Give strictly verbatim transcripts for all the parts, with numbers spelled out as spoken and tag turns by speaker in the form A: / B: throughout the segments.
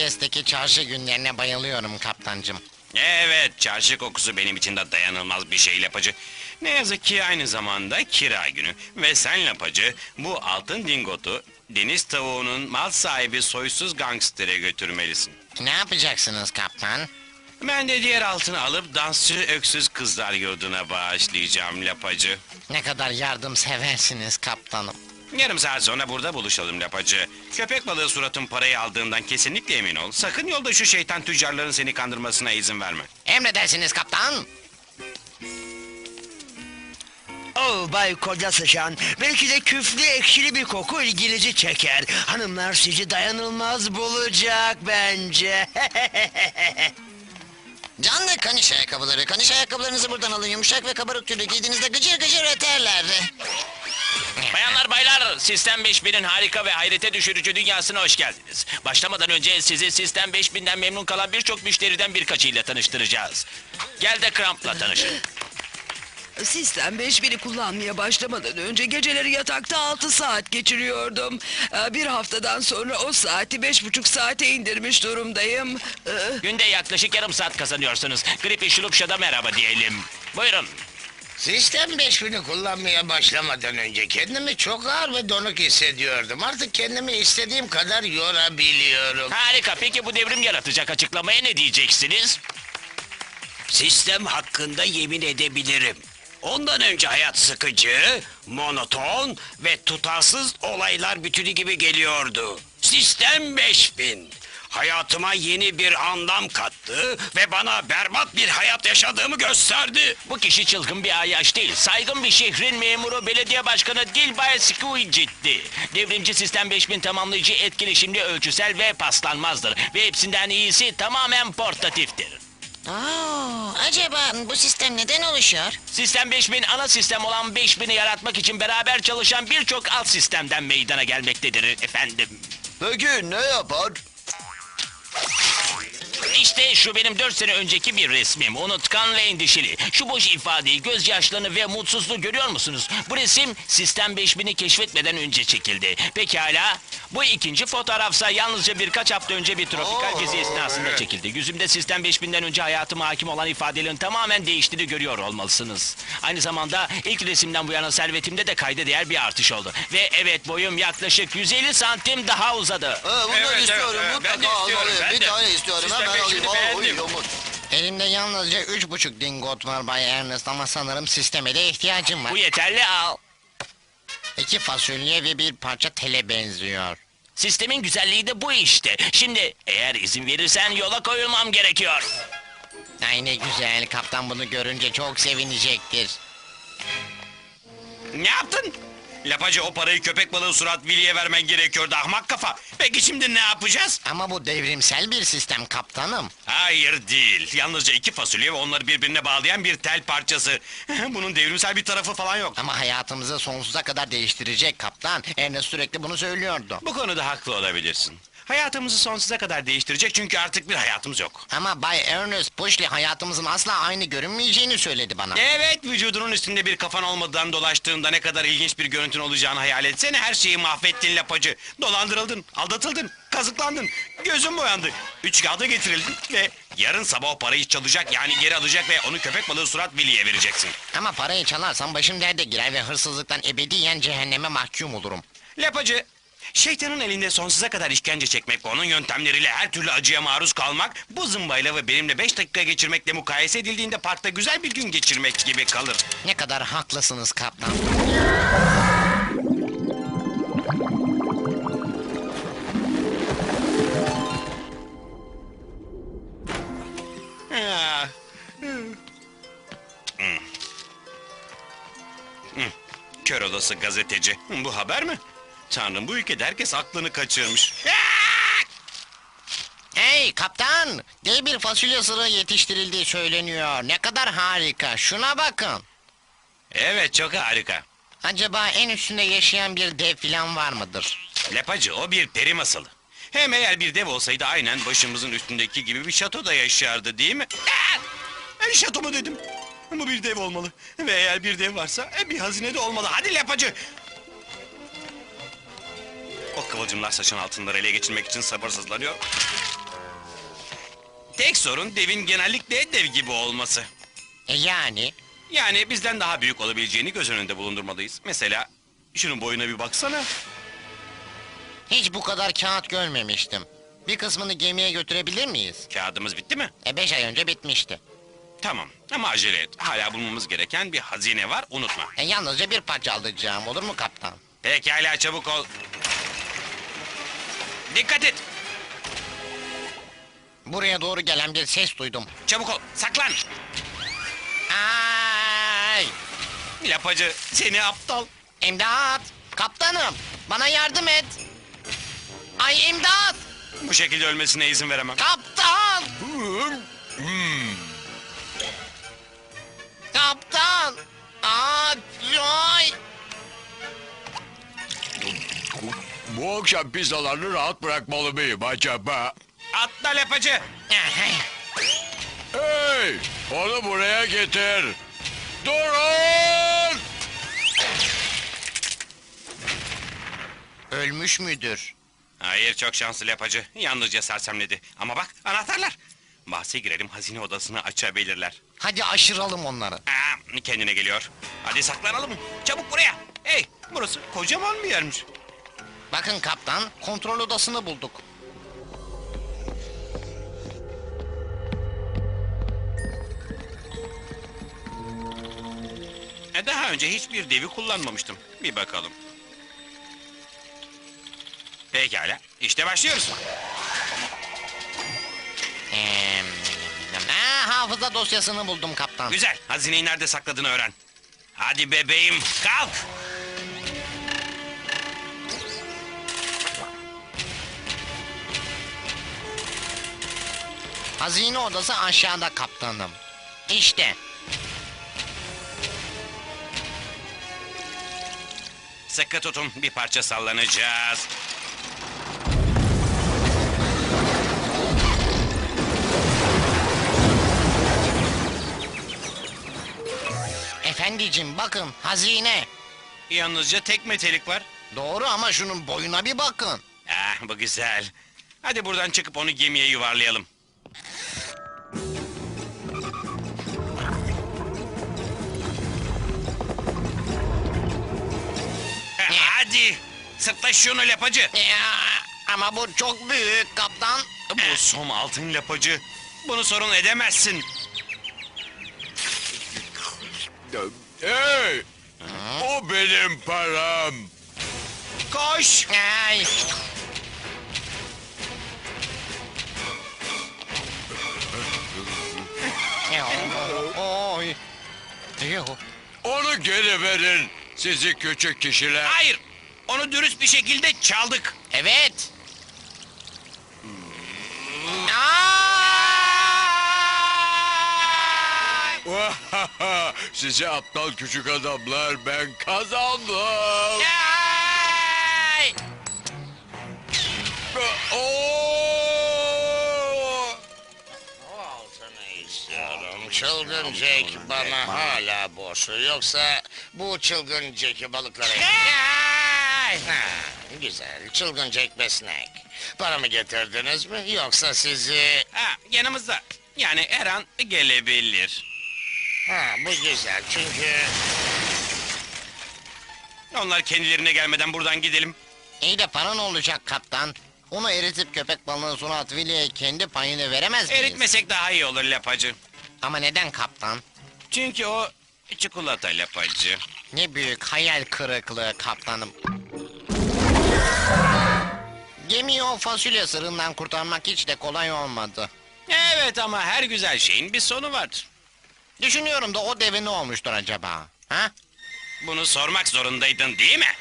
A: Paris'teki çarşı günlerine bayılıyorum kaptancım.
B: Evet, çarşı kokusu benim için de dayanılmaz bir şey Lapacı. Ne yazık ki aynı zamanda kira günü. Ve sen Lapacı, bu altın dingotu deniz tavuğunun mal sahibi soysuz gangstere götürmelisin.
A: Ne yapacaksınız kaptan?
B: Ben de diğer altını alıp dansçı öksüz kızlar yurduna bağışlayacağım Lapacı.
A: Ne kadar yardımseversiniz kaptanım.
B: Yarım saat sonra burada buluşalım Lapacı. Köpek balığı suratın parayı aldığından kesinlikle emin ol. Sakın yolda şu şeytan tüccarların seni kandırmasına izin verme.
A: Emredersiniz kaptan.
C: Oh Bay Koca Sıçan, belki de küflü ekşili bir koku ilginizi çeker. Hanımlar sizi dayanılmaz bulacak bence.
D: Canlı kaniş ayakkabıları. Kaniş ayakkabılarınızı buradan alın. Yumuşak ve kabarık tüylü giydiğinizde gıcır gıcır öterler.
E: Bayanlar baylar, Sistem beş binin harika ve hayrete düşürücü dünyasına hoş geldiniz. Başlamadan önce sizi Sistem beş binden memnun kalan birçok müşteriden birkaçıyla tanıştıracağız. Gel de Cramp'la tanışın.
F: Sistem beş bini kullanmaya başlamadan önce geceleri yatakta altı saat geçiriyordum. Ee, Bir haftadan sonra o saati beş buçuk saate indirmiş durumdayım. Ee,
E: Günde yaklaşık yarım saat kazanıyorsunuz. Gripi Şulupşa'da merhaba diyelim. Buyurun.
G: Sistem beş bini kullanmaya başlamadan önce kendimi çok ağır ve donuk hissediyordum. Artık kendimi istediğim kadar yorabiliyorum.
E: Harika, peki bu devrim yaratacak açıklamaya ne diyeceksiniz?
C: Sistem hakkında yemin edebilirim. Ondan önce hayat sıkıcı, monoton ve tutarsız olaylar bütünü gibi geliyordu. Sistem beş bin. Hayatıma yeni bir anlam kattı ve bana berbat bir hayat yaşadığımı gösterdi.
E: Bu kişi çılgın bir ayyaş değil. Saygın bir şehrin memuru belediye başkanı Dilbay Squidget'ti. Devrimci Sistem beş bin tamamlayıcı etkileşimli ölçüsel ve paslanmazdır. Ve hepsinden iyisi tamamen portatiftir.
D: Aa, acaba bu sistem neden oluşuyor?
E: Sistem beş bin ana sistem olan beş bini yaratmak için beraber çalışan birçok alt sistemden meydana gelmektedir efendim.
C: Peki ne yapar?
E: İşte şu benim dört sene önceki bir resmim. Unutkan ve endişeli. Şu boş ifadeyi, gözyaşlarını ve mutsuzluğu görüyor musunuz? Bu resim Sistem beş bini keşfetmeden önce çekildi. Pekala. Bu ikinci fotoğrafsa yalnızca birkaç hafta önce bir tropikal gezi esnasında çekildi. Yüzümde Sistem beş binden önce hayatıma hakim olan ifadelerin tamamen değiştiğini görüyor olmalısınız. Aynı zamanda ilk resimden bu yana servetimde de kayda değer bir artış oldu. Ve evet, boyum yaklaşık yüz elli santim daha uzadı.
H: bundan
B: Evet,
H: istiyorum.
B: evet, ben de
H: Mutlaka
B: istiyorum,
H: almalıyım.
B: ben
H: Bir
B: de.
H: tane istiyorum.
B: Sistem
H: Hemen
B: beş
H: alayım.
B: bini
H: Aa,
B: beğendim.
H: uyuyormuş.
A: Elimde yalnızca üç buçuk dingot var Bay Ernest ama sanırım sisteme de ihtiyacım var.
E: Bu yeterli, al.
A: İki fasulye ve bir parça tele benziyor.
E: Sistemin güzelliği de bu işte. Şimdi eğer izin verirsen yola koyulmam gerekiyor.
A: Ay ne güzel, kaptan bunu görünce çok sevinecektir.
B: Ne yaptın? Lapacı, o parayı köpek balığı surat Willy'e vermen gerekiyordu ahmak kafa. Peki şimdi ne yapacağız?
A: Ama bu devrimsel bir sistem kaptanım.
B: Hayır değil. Yalnızca iki fasulye ve onları birbirine bağlayan bir tel parçası. Bunun devrimsel bir tarafı falan yok.
A: Ama hayatımızı sonsuza kadar değiştirecek kaptan. Ernest sürekli bunu söylüyordu.
B: Bu konuda haklı olabilirsin. Hayatımızı sonsuza kadar değiştirecek çünkü artık bir hayatımız yok.
A: Ama Bay Ernest Pushley hayatımızın asla aynı görünmeyeceğini söyledi bana.
B: Evet, vücudunun üstünde bir kafan olmadan dolaştığında ne kadar ilginç bir görüntün olacağını hayal etsene. Her şeyi mahvettin Lapacı. Dolandırıldın, aldatıldın, kazıklandın, gözün boyandı. Üç kağıda getirildin ve yarın sabah o parayı çalacak, yani geri alacak ve onu köpek balığı surat Willy'e vereceksin.
A: Ama parayı çalarsam başım derde girer ve hırsızlıktan ebediyen cehenneme mahkum olurum.
B: Lapacı, şeytanın elinde sonsuza kadar işkence çekmek ve onun yöntemleriyle her türlü acıya maruz kalmak, bu zımbayla ve benimle beş dakika geçirmekle mukayese edildiğinde parkta güzel bir gün geçirmek gibi kalır.
A: Ne kadar haklısınız kaptan.
B: Ah. Hmm. Hmm. Kör olası gazeteci. Bu haber mi? Tanrım, bu ülkede herkes aklını kaçırmış.
A: Hey kaptan! Dev bir fasulye sırığı yetiştirildiği söyleniyor. Ne kadar harika. Şuna bakın.
B: Evet, çok harika.
A: Acaba en üstünde yaşayan bir dev filan var mıdır?
B: Lapacı, o bir peri masalı. Hem eğer bir dev olsaydı aynen başımızın üstündeki gibi bir şatoda yaşardı, değil mi? Ah! Ben şato mu dedim? Bu bir dev olmalı. Ve eğer bir dev varsa e, bir hazine de olmalı. Hadi Lapacı! O kıvılcımlar saçın altınları ele geçirmek için sabırsızlanıyor. Tek sorun devin genellikle dev gibi olması.
A: E yani?
B: Yani bizden daha büyük olabileceğini göz önünde bulundurmalıyız. Mesela şunun boyuna bir baksana.
A: Hiç bu kadar kağıt görmemiştim. Bir kısmını gemiye götürebilir miyiz?
B: Kağıdımız bitti mi?
A: E beş ay önce bitmişti.
B: Tamam ama acele et. Hala bulmamız gereken bir hazine var, unutma.
A: E yalnızca bir parça alacağım, olur mu kaptan?
B: Pekala, çabuk ol. Dikkat et.
A: Buraya doğru gelen bir ses duydum.
B: Çabuk ol. Saklan.
A: Ay!
B: Lapacı seni aptal.
A: İmdat! Kaptanım! Bana yardım et! Ay imdat!
B: Bu şekilde ölmesine izin veremem.
A: Kaptan! Kaptan! Aa, ay!
H: Bu akşam pizzalarını rahat bırakmalı mıyım acaba?
B: Atla lapacı.
H: Hey! Onu buraya getir. Durun!
A: Ölmüş müdür?
B: Hayır, çok şanslı lapacı. Yalnızca sersemledi. Ama bak, anahtarlar. Bahse girelim, hazine odasını açabilirler.
A: Hadi aşıralım onları.
B: Aa, kendine geliyor. Hadi saklanalım. Çabuk buraya. Hey, burası kocaman bir yermiş.
A: Bakın kaptan, kontrol odasını bulduk.
B: E, daha önce hiçbir devi kullanmamıştım. Bir bakalım. Pekala, işte başlıyoruz.
A: Ee, ha, hafıza dosyasını buldum kaptan.
B: Güzel, hazineyi nerede sakladığını öğren. Hadi bebeğim, kalk.
A: Hazine odası aşağıda kaptanım. İşte.
B: Sıkı tutun, bir parça sallanacağız.
A: Efendicim bakın, hazine.
B: Yalnızca tek metelik var.
A: Doğru ama şunun boyuna bir bakın.
B: Ah, bu güzel. Hadi buradan çıkıp onu gemiye yuvarlayalım. Eh, Hadi, sırtla şunu lapacı.
A: Ya, ama bu çok büyük kaptan.
B: Bu som altın lapacı. Bunu sorun edemezsin.
H: Hey! O benim param.
B: Koş.
A: Ay. Oy. Yuh.
H: Onu geri verin. Sizi küçük kişiler.
B: Hayır, onu dürüst bir şekilde çaldık.
A: Evet. Ay!
H: Sizi aptal küçük adamlar, ben kazandım.
A: Ay!
H: Oo!
G: O altını istiyorum. Çılgın Jack bana hala borçlu. Yoksa bu çılgın Jack'i balıklara...
A: Ay!
G: Ha, güzel. Çılgın Jack Besnek. Paramı getirdiniz mi? Yoksa sizi...
B: Ha, yanımızda. Yani her an gelebilir.
G: Ha, bu güzel çünkü...
B: Onlar kendilerine gelmeden buradan gidelim.
A: İyi de para ne olacak kaptan? Onu eritip köpek balığının sunu at Willy'e kendi payını veremez miyiz?
B: Eritmesek daha iyi olur lapacı.
A: Ama neden kaptan?
B: Çünkü o çikolata lapacı.
A: Ne büyük hayal kırıklığı kaptanım. Gemiyi o fasulye sırığından kurtarmak hiç de kolay olmadı.
B: Evet ama her güzel şeyin bir sonu vardır.
A: Düşünüyorum da o deve ne olmuştur acaba? Ha?
B: Bunu sormak zorundaydın değil mi?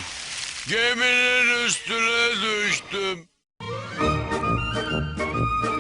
H: Geminin üstüne düştüm.